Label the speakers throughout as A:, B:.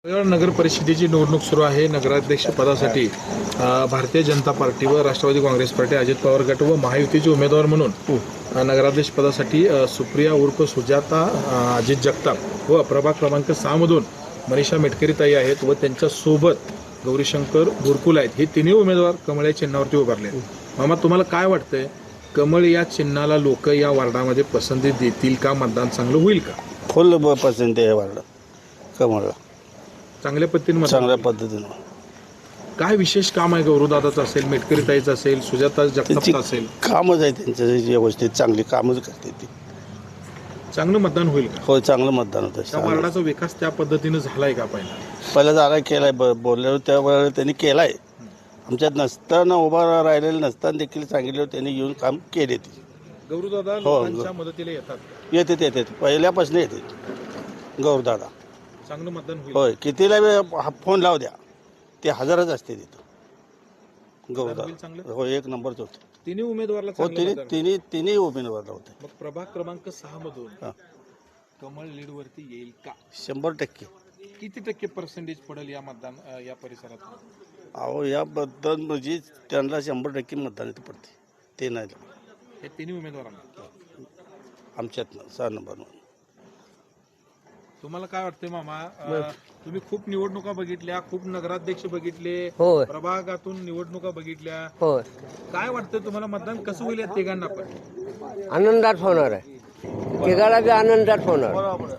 A: नगर परिषदेची निवडणूक सुरू आहे. नगराध्यक्ष पदासाठी भारतीय जनता पार्टी व राष्ट्रवादी काँग्रेस पार्टी, अजित पवार गट व महायुतीचे उमेदवार म्हणून नगराध्यक्ष पदासाठी सुप्रिया उर्फ सुजाता अजित जगताप व प्रभाग क्रमांक 6 मधून मनीषा मेटकरी ताई आहेत व त्यांच्या सोबत गौरीशंकर बुरकुल आहेत. हे तिन्ही उमेदवार कमळ या चिन्हावरती उभारले आहेत. मामा, तुम्हाला काय वाटतंय, कमळ या चिन्हाला लोक या वार्डामध्ये पसंती देतील का? मतदान चांगलं होईल का?
B: फुल पसंती आहे वार्ड कमळला.
A: चांगल्या पद्धतीने
B: चांगल्या पद्धतीनं
A: काय विशेष काम आहे? गौरवदादाचं असेल, मेटकरी ताईचं असेल, सुजाता जगतापचं असेल,
B: कामच आहे त्यांचं व्यवस्थित, चांगली कामच करते ती.
A: चांगलं मतदान होईल का?
B: होय, चांगलं मतदान
A: त्या
B: होतं.
A: वार्डाचा विकास त्या पद्धतीनं झालाय का?
B: पहिला जागा केलाय, बोलल्यावर त्यावेळेला त्यांनी केलाय. आमच्यात नसताना, उभा राहिलेलं नसताना देखील सांगितलं त्यांनी येऊन काम केले. ती
A: गौरवदादा लोकांच्या मदतीला येतात,
B: येते पहिल्यापासून येते गौरदादा.
A: चांगलं मतदान होईल.
B: होय, कितीला फोन लाव द्या, ते हजारच असते तिथं गौरदादा.
A: चांगलं
B: हो, एक नंबरच होते.
A: तिन्ही उमेदवारला
B: हो,
A: चांगलं मतदान.
B: तिन्ही उमेदवारला होते.
A: मग प्रभाग क्रमांक 6 मधून
B: हा.
A: कमळ लीड वरती येईल का?
B: 100%.
A: किती टक्के पर्सेंटेज पडेल या मतदान या परिसरात?
B: अहो, याबद्दल म्हणजे त्यांना 100% मतदान पडते. ते नाही
A: हे तिन्ही उमेदवारांना.
B: आमच्यातनं 6 नंबर.
A: तुम्हाला काय वाटतंय मामा? तुम्ही खूप निवडणुका बघितल्या, खूप नगराध्यक्ष बघितले,
C: होय
A: प्रभागातून निवडणुका बघितल्या.
C: होय
A: काय वाटतंय तुम्हाला, मतदान कसं होईल या तिघांना पण?
C: आनंदात होणार आहे. तिघाला बी आनंदात होणार.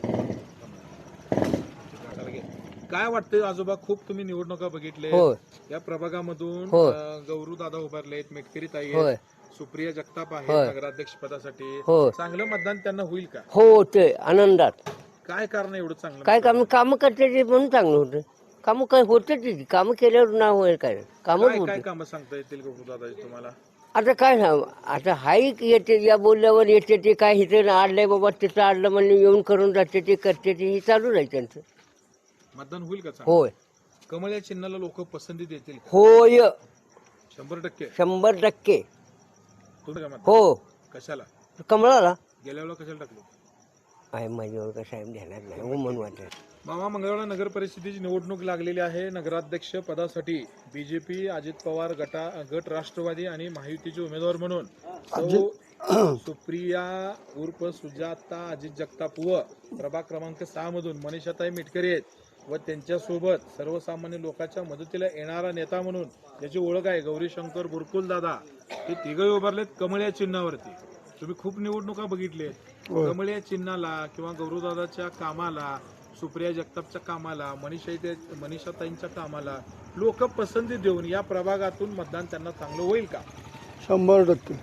A: काय वाटतंय आजोबा? खूप तुम्ही निवडणुका बघितले.
C: होय
A: या प्रभागामधून
C: होय.
A: गौरू दादा उभारलेत, मेटकरी ताई
C: होय
A: आहेत, सुप्रिया जगताप
C: होय.
A: आहे नगराध्यक्ष पदासाठी.
C: होय.
A: चांगलं मतदान त्यांना होईल का?
C: हो, ते आनंदात.
A: काय कारण एवढं चांगलं?
C: काय काम करते ते म्हणून चांगलं होतं. कामं काय होते ती कामं केल्यावर ना होईल काय कामच
A: काय
C: होते.
A: कामं सांगता येतील गौरू दादा तुम्हाला?
C: आता काय ना, आता हाई येते, या बोलल्यावर येते ते काय इथे आडलंय बाबा, तिथं आडलं म्हणजे येऊन करून जाते, ते करते ते, हे चालू राहील त्यांचं.
A: मतदान होईल का चांगलं?
C: होय
A: कमळ या चिन्हाला लोक पसंती देतील का?
C: होय
A: 100%.
C: 100%.
A: तुम्ही काय म्हणता?
C: हो,
A: कशाला
C: कमळाला
A: गेल्या वेळेला कशाला टाकलो?
C: आहे माझ्यावर का साहेब ध्यानात नाही हो म्हणून वाटत.
A: मामा, मंगळवेढा नगर परिषदेची निवडणूक लागलेली आहे. नगराध्यक्ष पदासाठी बीजेपी, अजित पवार गट राष्ट्रवादी आणि महायुतीचे उमेदवार म्हणून सुप्रिया उर्फ सुजाता अजित जगताप व प्रभाग क्रमांक 6 मधून मनीषाताई मेटकरी आहेत व त्यांच्यासोबत सर्वसामान्य लोकांच्या मदतीला येणारा नेता म्हणून ज्याची ओळख आहे गौरीशंकर बुरकुल दादा, हे तिघही उभारलेत कमळ या चिन्हावरती. तुम्ही खूप निवडणुका बघितल्या आहेत. कमळ या चिन्हाला किंवा गौरवदादाच्या कामाला, सुप्रिया जगतापच्या कामाला, मनीषाताईंच्या कामाला लोक पसंती देऊन या प्रभागातून मतदान त्यांना चांगलं होईल का?
D: 100%.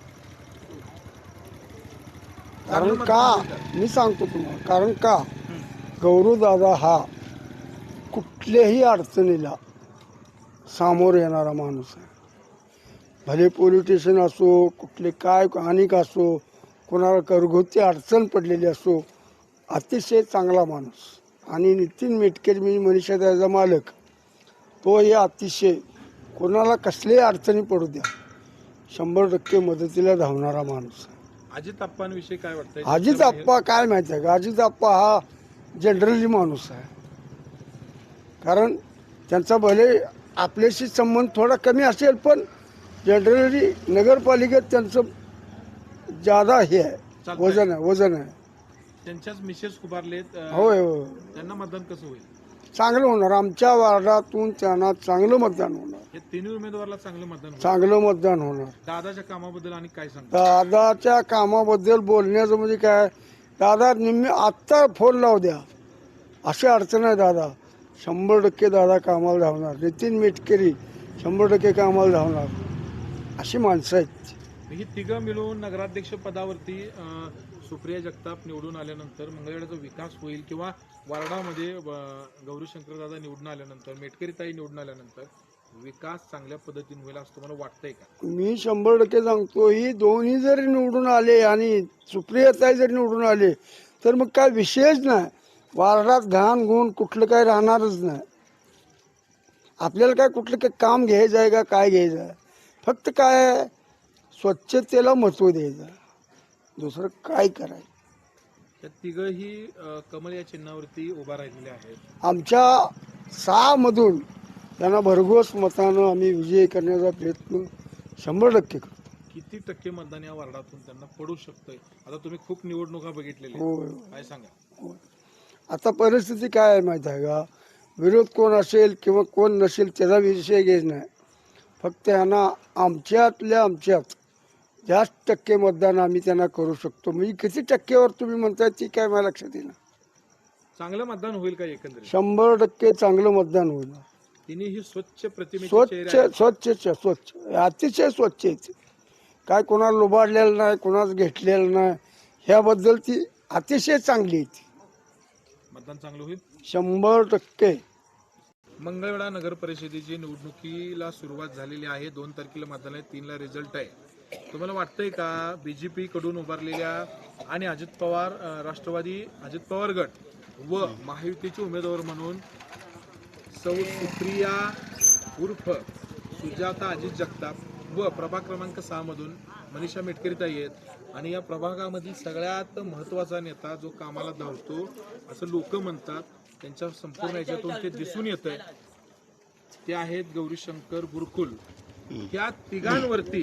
D: कारण का मी सांगतो तुम्हाला, कारण का गौरवदादा हा कुठल्याही अडचणीला सामोर येणारा माणूस आहे. भले पोलीस स्टेशन असो, कुठले काय अनेक असो, कोणाला घरगुती अडचण पडलेली असो, अतिशय चांगला माणूस. आणि नितीन मेटकरी मी मनीषा त्याचा मालक, तो हे अतिशय कोणाला कसल्याही अडचणी पडू द्या 100% मदतीला धावणारा माणूस आहे.
A: अजित आप्पांविषयी काय वाटतंय?
D: अजित आप्पा काय माहिती आहे का, अजित आप्पा हा जनरली माणूस आहे. कारण त्यांचा भले आपल्याशी संबंध थोडा कमी असेल, पण जनरली नगरपालिकेत त्यांचं ज्यादा हे आहे, वजन आहे.
A: त्यांच्याच मिसेस उभारलेत.
D: होय होय,
A: त्यांना मतदान कसं होईल?
D: चांगलं होणार. आमच्या वार्डातून त्यांना चांगलं मतदान होणार.
A: हे तिन्ही उमेदवाराला चांगलं मतदान होईल.
D: चांगलं मतदान होणार.
A: दादाच्या कामाबद्दल आणि काय सांगता?
D: दादाच्या कामाबद्दल बोलण्याचं म्हणजे काय, दादा निम्मे आत्ता फोन लावू द्या, अशी अडचण आहे. दादा 100% दादा कामाला धावणार. नितीन मेटकरी 100% कामाला धावणार. अशी माणसं आहेत.
A: ही तिघं मिळून नगराध्यक्ष पदावरती सुप्रिया जगताप निवडून आल्यानंतर मंगळवेढ्याचा विकास होईल किंवा वार्डामध्ये गौरीशंकर दादा निवडून आल्यानंतर, मेटकरी ताई निवडून आल्यानंतर विकास चांगल्या पद्धतीने होईल असं तुम्हाला वाटतंय का?
D: मी 100% सांगतो, ही दोन्ही जरी निवडून आले आणि सुप्रियाताई जरी निवडून आले तर मग काय विषयच नाही. वार्डात घाण गुण कुठलं काय राहणारच नाही. आपल्याला काय कुठलं काय काम घ्यायचं आहे का, काय घ्यायचं आहे, फक्त काय स्वच्छतेला महत्त्व द्यायचं, दुसरं काय करायचं.
A: त्या तिघही कमळ या चिन्हावरती उभा राहिलेले आहेत.
D: आमच्या 6 मधून त्यांना भरघोस मतानं आम्ही विजयी करण्याचा प्रयत्न 100% करतो.
A: किती टक्के मतदान या वार्डातून त्यांना पडू शकतंय? आता तुम्ही खूप निवडणुका बघितलेल्या
D: होय.
A: आहेत. काय सांगा?
D: आता परिस्थिती काय आहे माहीत आहे का, विरोध कोण असेल किंवा कोण नसेल त्याचा विषय घेत नाही. फक्त यांना आमच्यात जास्त टक्के मतदान आम्ही त्यांना करू शकतो. म्हणजे किती टक्केवर तुम्ही म्हणताय ती काय मला लक्षात येईल.
A: चांगलं मतदान होईल का एकंदरीत?
D: 100% चांगलं मतदान होईल.
A: तिन्ही स्वच्छ प्रतिमेचे चेहरे
D: स्वच्छ
A: आहेत.
D: स्वच्छ अतिशय स्वच्छ आहे. काय कोणाला लुबाडलेलं नाही, कोणाच घेतलेलं नाही, ह्याबद्दल ती अतिशय चांगली आहे.
A: मतदान चांगलं होईल.
D: 100%.
A: मंगळवेढा नगर परिषदेची निवडणुकीला सुरुवात झालेली आहे. 2 तारखेला मतदान आहे, 3ला रिझल्ट आहे. तुम्हाला वाटतंय का बीजेपी कडून उभारलेल्या आणि अजित पवार राष्ट्रवादी अजित पवार गट व महायुतीचे उमेदवार म्हणून सौ सुप्रिया उर्फ सुजाता अजित जगताप व प्रभाग क्रमांक 6 मधून मनीषा मेटकरीताई आहेत आणि या प्रभागामधील सगळ्यात महत्त्वाचा नेता जो कामाला धावतो असं लोक म्हणतात, त्यांच्या संपूर्ण याच्यातून ते दिसून येतंय, ते आहेत गौरीशंकर बुरकुल. या तिघांवरती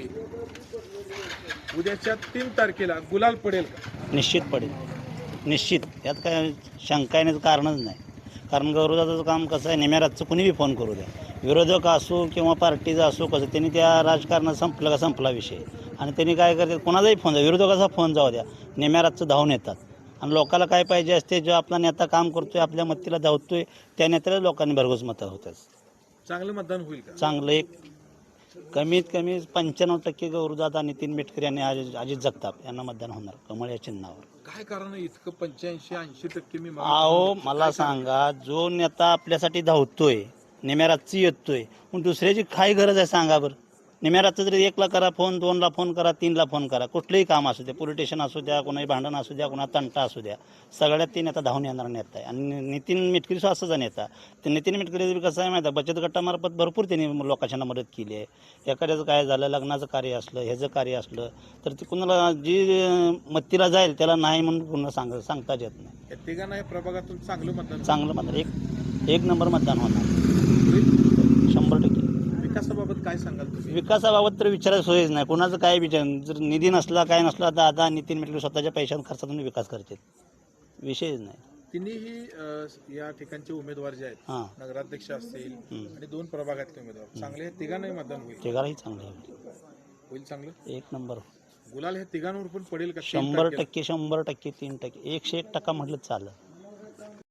A: उद्याच्या 3 तारखेला गुलाल पडेल का?
E: निश्चित पडेल, निश्चित. यात काय शंका येण्याचं कारणच नाही. कारण गौरवदादाचं काम कसं आहे, नेम्या रातचं कुणी बी फोन करू द्या, विरोधक असो किंवा पार्टीचा असो, कसं त्यांनी त्या राजकारणात संपलं का संपला विषय. आणि त्यांनी काय करतात, कोणाचाही फोन द्या, विरोधकाचा फोन जाऊ द्या, नेम्या रातचं धावून येतात. आणि लोकांना काय पाहिजे असते, जो आपला नेता काम करतोय, आपल्या मतीला धावतोय, त्या नेत्याला लोकांनी भरघोस मतं होतात.
A: चांगलं मतदान होईल का?
E: चांगलं एक कमीत कमी 95% गौरवदादा, नितीन मेटकरी आणि अजित जगताप यांना मतदान होणार कमळ या चिन्हावर.
A: काय कारण आहे इतकं 85-80% मी
E: अहो मला सांगा, जो नेता आपल्यासाठी धावतोय, नेम्या रातची येतोय, मग दुसऱ्याची काय गरज आहे सांगा बरं. नेम्या रातचं तरी 1ला करा फोन, 2ला फोन करा, 3ला फोन करा, कुठलंही काम असू द्या, पोलीस स्टेशन असू द्या, कोणाही भांडण असू द्या, कोणा तंटा असू द्या, सगळ्यात ते नेता धावून येणारा नेता आहे. आणि नितीन मेटकरी असाचा नेता. ते नितीन मेटकरी कसं आहे माहिती आहे, बचत गटामार्फत भरपूर त्यांनी लोकांना मदत केली आहे. एखाद्याचं काय झालं, लग्नाचं कार्य असलं, ह्याचं कार्य असलं, तर ते कुणाला जी मत्तीला जाईल त्याला नाही म्हणून पुन्हा सांगताच येत नाही.
A: या तिघांना या प्रभागातून चांगलं मतदान
E: चांगलं मतदान, एक नंबर मतदान होणार
A: होईल.
E: 100%.
A: विकासाबाबत काय सांगाल तुम्ही?
E: विकासाबाबत तर विचारायची सोयच नाही. कुणाचं काय विचार, जर निधी नसला काय नसला तर आता नितीन मेटकरी स्वतःच्या पैशात खर्चातून विकास करतात, विषयच नाही.
A: तिन्ही या ठिकाणचे उमेदवार जे आहेत,
E: हां,
A: नगराध्यक्ष असतील आणि 2 प्रभागातले उमेदवार चांगले, हे तिघांनाही मतदान होईल.
E: तिघालाही चांगलं आहे,
A: होईल चांगलं.
E: एक नंबर.
A: गुलाल हे तिघांवर पण पडेल का?
E: 100%, 100%, 3%, 101% म्हटलं चालेल.